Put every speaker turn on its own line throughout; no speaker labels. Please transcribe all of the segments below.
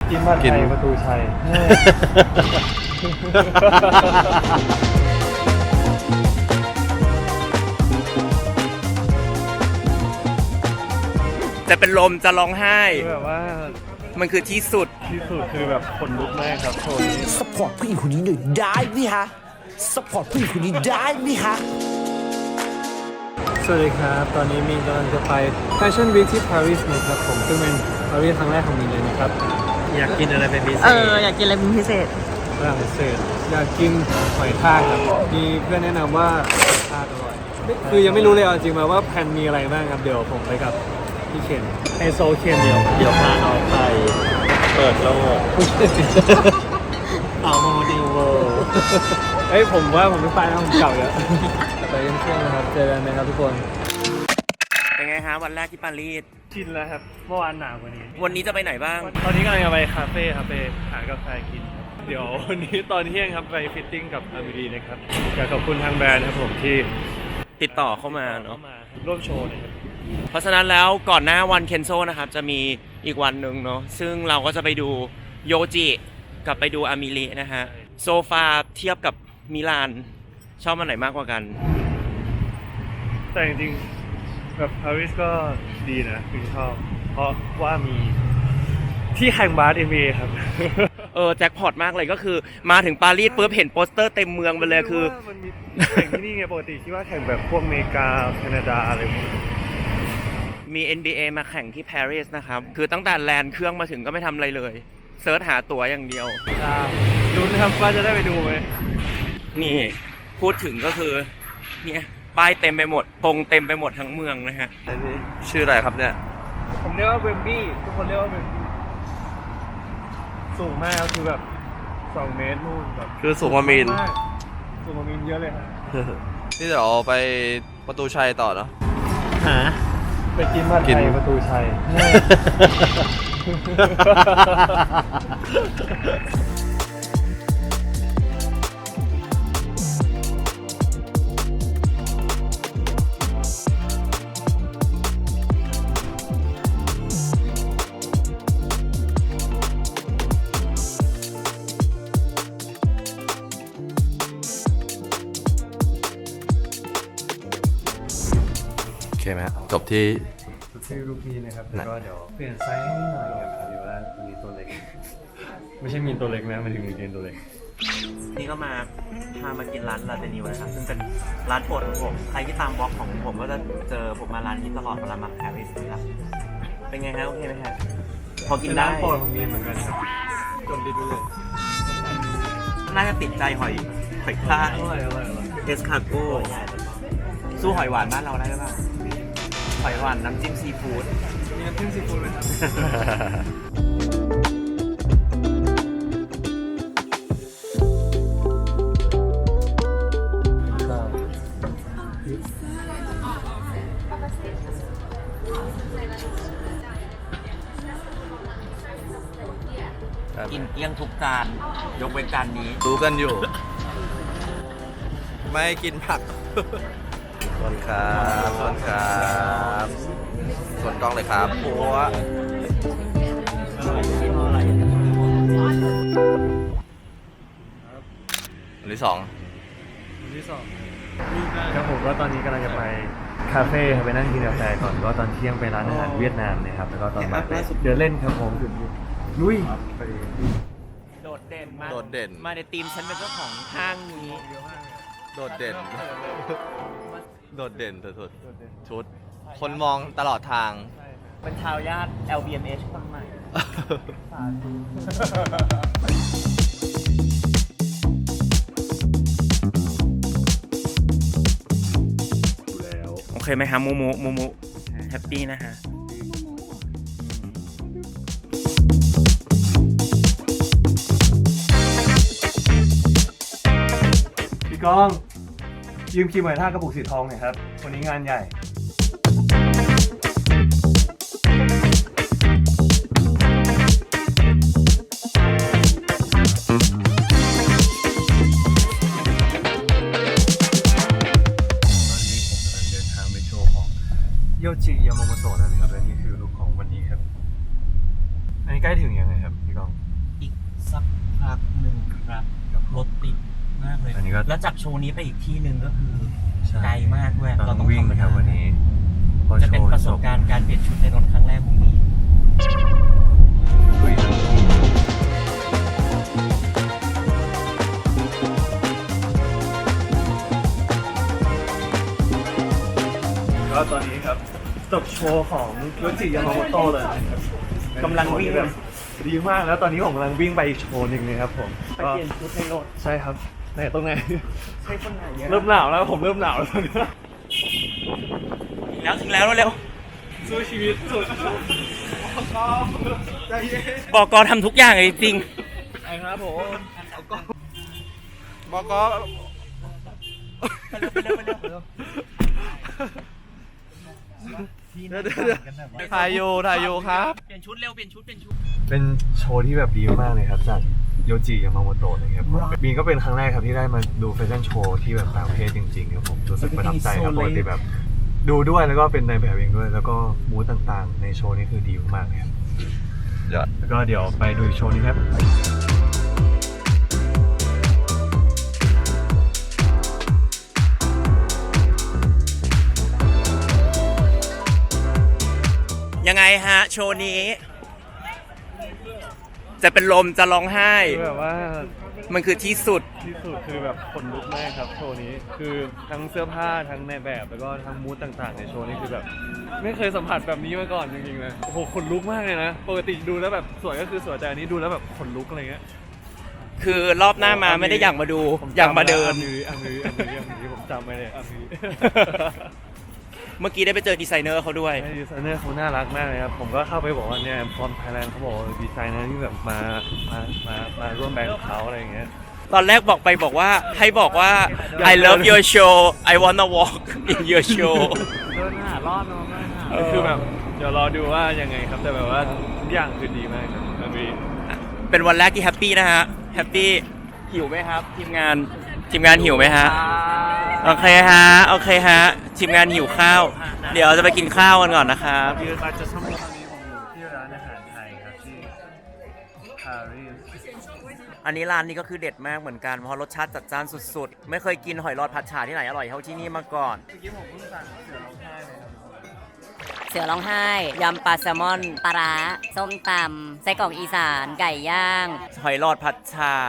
กินบ้านไทยประตูชัย
จะเป็นลมจะร้องไห้
แบบว่า
มันคือที่สุด
คือแบบขนลุกมากครับโชว์นี้
สปอร์ตผู้หญิงคนนี้หน่อยได้ไหมฮะสปอร์ตผู้หญิงคนนี้ได้ไหมฮะ
สวัสดีครับตอนนี้มีนกำลังจะไป Fashion Week ที่ปารีสนะครับผมซึ่งเป็นปารีสครั้งแรกของมีนเลยนะครับอยากกินอะไรเป็นพิเศษ
อยากกินอะไรเป็นพิเศษ
ฝรั่งเศสอยากกินหอยทากครับมีเพื่อนแนะนำว่าหอยทากอร่อยคือยังไม่รู้เลยเอาจริงมาว่าแพลนมีอะไรบ้างครับเดี๋ยวผมไปกับพี่เคนไฮโซเคนเดียวพาน้องไปเปิดโลกเอาโมดิวเวิลด์เฮ้ยผมว่าผมไม่ไปนะผมเก่าแล้วไปเที่ยงๆนะครับเจอกันนะครับทุกคน
เป็นไงฮะวันแรกที่ปารีส
ชินแล้วครับเมื่อวานหนาวกว่านี้
วันนี้จะไปไหนบ้าง
ตอนนี้กำลังจะไปคาเฟ่ครับไปหากาแฟกินครับเดี๋ยววันนี้ตอนเที่ยงครับไปฟิตติ้งกับอามิรีนะครับอยากขอบคุณทางแบรนด์ครับผมที่
ติดต่อเข้ามาเนาะ
มาร่วมโชว์นะครับ
เพราะฉะนั้นแล้วก่อนหน้าวันเคนโซนะครับจะมีอีกวันหนึ่งเนาะซึ่งเราก็จะไปดูโยจิกับไปดูอามิลีนะฮะโซฟาเทียบกับมิลานชอบมันไหนมากกว่ากัน
แต่จริงๆแบบปารีสก็ดีนะคือชอบเพราะว่ามีที่แข่งบาส NBA ครับ
แจ็คพอตมากเลยก็คือมาถึงปารีสปุ๊บเห็นโปสเตอร์เต็มเมืองไปเลยคือ
มันมีแข่งที่นี่ไงปกติคิดว่าแข่งแบบพวกอเมริกาแคนาดาอะไรพวกนี้
มี NBA มาแข่งที่ปารีสนะครับคือตั้งแต่แลนด์เครื่องมาถึงก็ไม่ทำอะไรเลยเซิร์ชหาตั๋วอย่างเดียว
ลุ้นครับว่าจะได้ไปดูไหม
นี่พูดถึงก็คือเนี่ยป้ายเต็มไปหมดธงเต็มไปหมดทั้งเมืองนะฮะ
ชื่ออะไรครับเนี่ย
ผมเรียกว่าเวมบี้ทุกคนเรียกว่าเวมบี้สูงมากคือแบบ2 เมตรนู่นแบบ
คือสุขมามิน
ากสูงกว่ามินเยอะเลยครับ
นี่เดี๋ยวไปประตูชัยต่อเนาะ
ไปกินบ้าน
กิน
ไทยประตูชัย
โอเคไหมฮะจบที่
ชื่อลูกนี้นะครับแล้วก็เดี๋ยวเปลี่ยนไซส์ให้นิดหน่อยครับพอดีว่ามีตัวเล็ก ไม่ใช่มีตัวเล็กนะมันถึงมีตัวเล็ก
นี่ก็มาพามากินร้านลาเตนิวนะครับซึ่งเป็นร้านโปรดของผมใครที่ตามบล็อกของผมก็จะเจอผมมาร้านนี้ตลอดเวลามาปารีสนะครับเป็นไงฮะโอเคไหมฮะพอกินได้
ร้านโปรดของมีนเหมือนกันครับจมดิดูเลย
น่าจะติดใจหอยทาก
อร่อย
เอสคาโก้สู้หอยหวานบ้านเราได้หรือเปล่าหอยหวานน้ำจิ้มซีฟู้ด
มีน้ำจิ้มซีฟู้ดไหมครับ
กินเกลี้ยงทุกจานยกเว้นจานนี้
รู้กันอยู่ ไม่กินผักส่วนครับส่วนครับส่วนกล้องเลยครับปัวอันที่สอง
ครับผมก็ตอนนี้กำลังจะไปคาเฟ่ครับไปนั่งกินกาแฟก่อนก็ตอนเที่ยงไปร้านอาหารเวียดนามนะครับแล้วก็ตอนบ่ายไปเดินเล่นครับผมลุยไป
โดดเด่นมาก
โดดเด่น
มาในทีมฉันเป็นเจ้าของห้างนี้
โดดเด่น โดดเด่นสุดๆชุด คนมองตลอดทาง
เป็นทายาท LVMH คนใหม่ โอเคไหมฮะมูมูแฮปปี้นะฮะ
พี่ก้องยืมครีมหอยทากกระปุกสีทองหน่อยครับวันนี้งานใหญ่ โยจิยามาโมโตะนะครับและนี่คือลุคของวันนี้ครับ อันนี้ใกล้ถึงยังไงครับพี่กอง
แล้วจากโชว์นี้ไปอีกที่หนึ่งก็คือ
ใช่
ไกลมากด้วย
เราต้องวิ่งครับวันนี้
จะเป็นประสบการณ์การเปลี่ยนชุดในรถครั้งแรกของมี
ก็ตอนนี้ครับจบโชว์ของโยจิยามาโมโตะเลยนะครับ
กำลังวิ่ง
แบบดีมากแล้วตอนนี้ผมกำลังวิ่งไปอีกโชว์หนึ่งนะครับผม
ไปเปลี่ยนชุดในรถ
ใช่ครับไหนตรงไหน
ใช่คนไหนเนี่ย
เริ่มหนาวแล้วผมเริ่มหนาวแล้วตอนนี้
ถึงแล้วเร็ว
สู้ชีวิตสุดใจเย็น
บอกกทำทุกอย่างเลยจริง
ไอ้ครับผมบอก ถ่ายอยู่ครับ
เปลี่ยนชุดเร็วเปลี่ยนชุด
เป็นโชว์ที่แบบดีมากเลยครับจากโยจิยามาโมโตะนะครับบีนก็เป็นครั้งแรกครับที่ได้มาดูแฟชั่นโชว์ที่แบบต่างประเทศจริงๆครับผมรู้สึกประทับใจครับปกติแบบดูด้วยแล้วก็เป็นในแบบเองด้วย แล้วก็มูดต่างๆ ในโชว์นี้คือดีมากๆเลยครับ
ยอด
แล้วก็เดี๋ยวไปดูอีกโชว์นี้ครับ
ยังไงฮะ โชว์นี้ จะเป็นลมจะร้องไห้
คือแบบว่า
มันคือที่สุด
ที่สุดคือแบบขนลุกมากครับโชว์นี้คือทั้งเสื้อผ้าทั้งในแบบแล้วก็ทั้งมูดต่างๆในโชว์นี้คือแบบไม่เคยสัมผัสแบบนี้มาก่อนจริงๆนะโอ้โหขนลุกมากเลยนะปกติดูแล้วแบบสวยก็คือสวยแต่อันนี้ดูแล้วแบบขนลุกอะไรเงี้ย
คือรอบหน้ามาไม่ได้อยากมาดู อยากมาเดิน
อันนี้ผมจำไปเลยอันนี้
เมื่อกี้ได้ไปเจอดีไซเนอร์เขาด้วย
ดีไซเนอร์เขาน่ารักมากเลยครับผมก็เข้าไปบอกว่าเนี่ยฟอนไทยแลนด์เขาบอกว่าดีไซเนอร์ที่แบบมาร่วมแบรนด์กับเขาอะไรอย่างเงี้ย
ตอนแรกบอกว่าให้บอกว่า I love your show I wanna walk in your show
เดินหารอดมากคือแบบเดี๋ยวรอดูว่ายังไงครับแต่แบบว่าทุกอย่างคือดีมากครับอันนี้
เป็นวันแรกที่แฮปปี้นะฮะ แฮปปี้หิวไหมครับ ทีมงานหิวไหมฮะ โอเคฮะ ทีมงานหิวข้าว เดี๋ยวจะไปกินข้าวกันก่อนนะครับ
คืออาจจะสมัยตอนนี้ผมอยู่ที่ร้านอาหารไทยครับที่ปารีส
อันนี้ร้านนี้ก็คือเด็ดมากเหมือนกันเพราะรสชาติจัดจ้านสุดๆ ไม่เคยกินหอยหลอดผัดฉ่าที่ไหนอร่อยเท่าที่นี่มาก่อน
เมื่อกี้ผมเพิ่งสั่งเสือร้องไห้เลยครับ
เสือร้องไห้ ยำปลาแซลมอน ปลาร้า ส้มตำ ไส้กรอกอีสาน ไก่ย่าง
หอยหลอดผัดฉ่า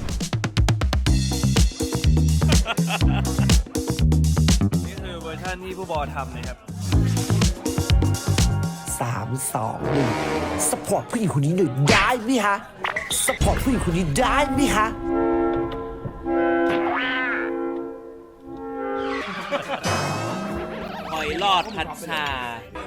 นี่คือเวอร์ชันที่ผู้บอทำนะครับ
3 2 1 สปอร์ตผู้หญิงคนนี้หน่อยได้ไหมฮะ สปอร์ตผู้หญิงคนนี้ได้ไหมฮะ
หอยหลอดผัดฉ่า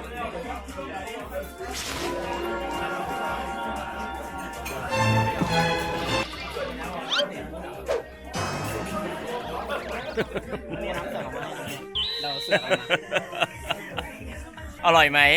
อร่อยไหม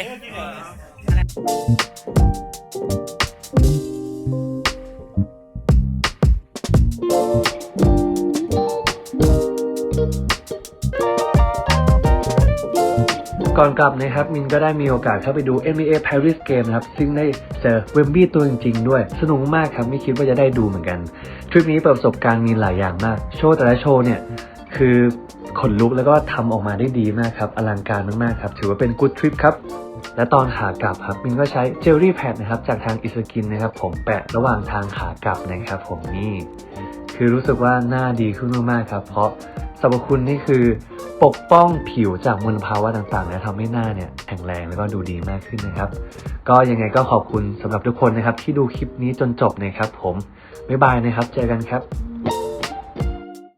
ก่อนกลับนะครับมินก็ได้มีโอกาสเข้าไปดู NBA Paris Game นะครับซึ่งได้เจอเวมบี้ตัวจริงๆด้วยสนุกมากครับไม่คิดว่าจะได้ดูเหมือนกันทริปนี้เปิดประสบการณ์มีหลายอย่างมากโชว์แต่ละโชว์เนี่ยคือขนลุกแล้วก็ทำออกมาได้ดีมากครับอลังการมากๆครับถือว่าเป็นกู๊ดทริปครับและตอนขากลับครับมินก็ใช้เจลลี่แพดนะครับจากทางอิสกินนะครับผมแปะระหว่างทางขากลับนะครับผมนี่คือรู้สึกว่าหน้าดีขึ้นมากๆครับเพราะสรรพคุณนี่คือปกป้องผิวจากมลภาวะต่างๆและทำให้หน้าเนี่ยแข็งแรงแล้วก็ดูดีมากขึ้นนะครับก็ยังไงก็ขอบคุณสำหรับทุกคนนะครับที่ดูคลิปนี้จนจบนะครับผมบ๊ายบายนะครับเจอกันครับ